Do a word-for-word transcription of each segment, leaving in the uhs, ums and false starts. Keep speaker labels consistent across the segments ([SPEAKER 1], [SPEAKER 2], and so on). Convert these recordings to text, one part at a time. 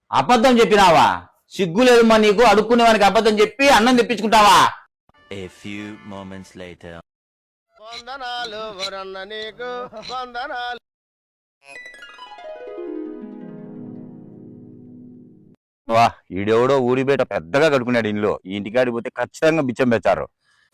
[SPEAKER 1] అబద్ధం చెప్పినావా? సిగ్గు లేదమ్మా నీకు? అడుక్కునేవానికి అబద్ధం చెప్పి అన్నం తెప్పించుకుంటావా?
[SPEAKER 2] A few moments later.
[SPEAKER 3] వందనాలు వరన్న నీకు వందనాలు.
[SPEAKER 1] వా ఈడెవడో ఊరి బయట పెద్దగా కడుకున్నాడు ఇంట్లో. ఈ ఇంటికాడికి పోతే ఖచ్చితంగా బిచ్చం పెట్టారు.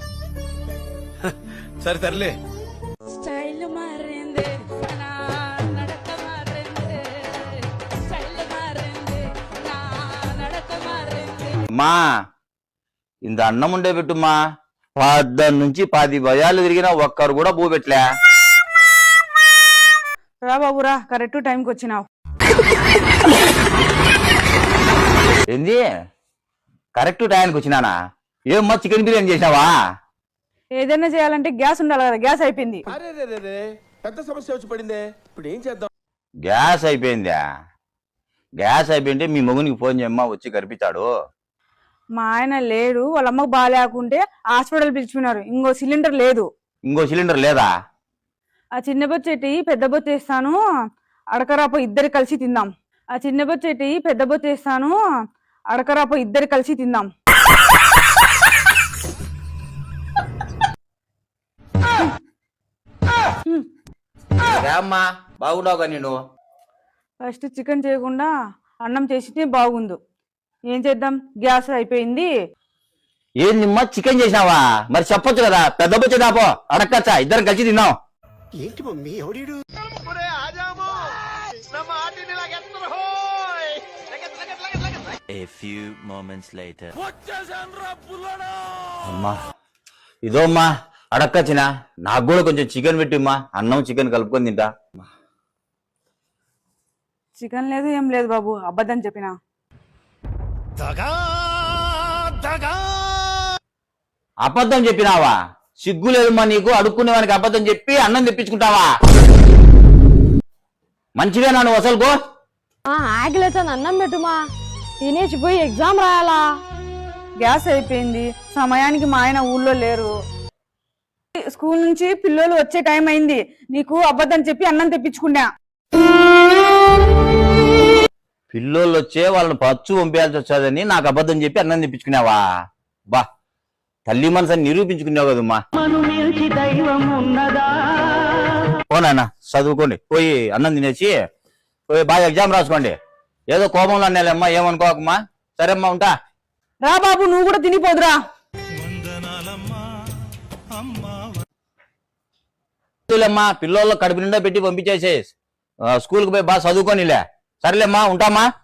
[SPEAKER 3] సరే తరలే.
[SPEAKER 4] స్టైల్ మారింది నా నడక మారింది స్టైల్ మారింది నా నడక మారింది.
[SPEAKER 1] అమ్మా ఇంత అన్నం ఉండే పెట్టుమ్మా. పద్దెనిమిది నుంచి పది భయాలు తిరిగినా ఒక్కరు కూడా పూ పెట్టలే.
[SPEAKER 5] రా బాబురా, కరెక్ట్ టైంకి వచ్చినావు.
[SPEAKER 1] ఏంది కరెక్ట్ టైంకి వచ్చినానా? ఏమ్మా చికెన్ బిర్యానీ చేసినావా?
[SPEAKER 5] ఏదైనా చేయాలంటే గ్యాస్ ఉండాలి కదా, గ్యాస్ అయిపోయింది.
[SPEAKER 3] అరే రే రే రే పెద్ద సమస్య వచ్చి పడిందే, ఇప్పుడు ఏం చేద్దాం?
[SPEAKER 1] గ్యాస్ అయిపోయిందా? గ్యాస్ అయిపోయింటే మీ మొగునికి ఫోన్ చేయమ్మా, వచ్చి కనిపించాడు.
[SPEAKER 5] మా ఆయన లేడు, వాళ్ళ అమ్మకు బాగాలేకుంటే హాస్పిటల్ పిలిచిపోయినారు. ఇంకో సిలిండర్ లేదు.
[SPEAKER 1] ఇంకో సిలిండర్ లేదా?
[SPEAKER 5] ఆ చిన్న బొచ్చెట్టి పెద్ద బొత్త వేస్తాను, అడకరాపో ఇద్దరు కలిసి తిందాం. ఆ చిన్న బొచ్చెట్టి పెద్ద బొత్త వేస్తాను, అడకరాపో ఇద్దరు కలిసి తిందాం.
[SPEAKER 1] అమ్మా బాగున్నావుగా నేను?
[SPEAKER 5] ఫస్ట్ చికెన్ చేయకుండా అన్నం చేసితే బాగుండు. ఏం చేద్దాం, గ్యాస్ అయిపోయింది.
[SPEAKER 1] ఏందిమ్మా చికెన్ చేసినావా? మరి చెప్పొచ్చు కదా, పెద్ద బొచ్చ దాపో అడక్కచ్చా, ఇద్దరం కలిసి తిన్నాం.
[SPEAKER 3] ఏంటి మమ్మీ ఎవడీడు? ఒరే ఆజాము నా మాటిని లాగెత్తరు హోయ్. లగెత్ లగెత్ లగెత్ లగెత్.
[SPEAKER 2] A few moments later.
[SPEAKER 3] వచ్చేసాన్రా పుల్లడా.
[SPEAKER 1] అమ్మా ఇదో అమ్మా అడక్కచ్చినా, నాకు కూడా కొంచెం చికెన్ పెట్టిమ్మా, అన్నం చికెన్ కలుపుకొని తింటా.
[SPEAKER 5] చికెన్ లేదు ఏం లేదు బాబు, అబద్ధం చెప్పినా.
[SPEAKER 3] దగా దగా.
[SPEAKER 1] అబద్ధం చెప్పినావా? సిగ్గు లేదమ్మా నీకు? అడుక్కునేవానికి అబద్ధం చెప్పి అన్నం తెప్పించుకుంటావా? మంచివేనా నువ్వు అసలుకో?
[SPEAKER 4] ఆకలితో అన్నం పెట్టుమా, తినేసి పోయి ఎగ్జామ్ రాయాలా.
[SPEAKER 5] గ్యాస్ అయిపోయింది, సమయానికి మా ఆయన ఊళ్ళో లేరు. స్కూల్ నుంచి పిల్లలు వచ్చే టైం అయింది, నీకు అబద్ధం చెప్పి అన్నం తెప్పించుకున్నా.
[SPEAKER 1] పిల్లోళ్ళు వచ్చే వాళ్ళని పచ్చు పంపించాల్సి వచ్చాదని నాకు అబద్ధం చెప్పి అన్నం తెప్పించుకున్నావా? బా తల్లి మనసని నిరూపించుకున్నావు కదమ్మా. పోనా చదువుకోండి, పోయి అన్నం తినేసి పోయి బాగా ఎగ్జామ్ రాసుకోండి. ఏదో కోపంలో అన్నాలేమ్మా, ఏమనుకోకమ్మా. సరేమ్మా ఉంటా.
[SPEAKER 5] రా బాబు నువ్వు కూడా తినిపోదురా.
[SPEAKER 1] అమ్మా పిల్లోళ్ళు కడుపు నిండా పెట్టి పంపించేసే, స్కూల్కి పోయి బాగా చదువుకోనిలే. సరేలేమ్మా ఉంటామా.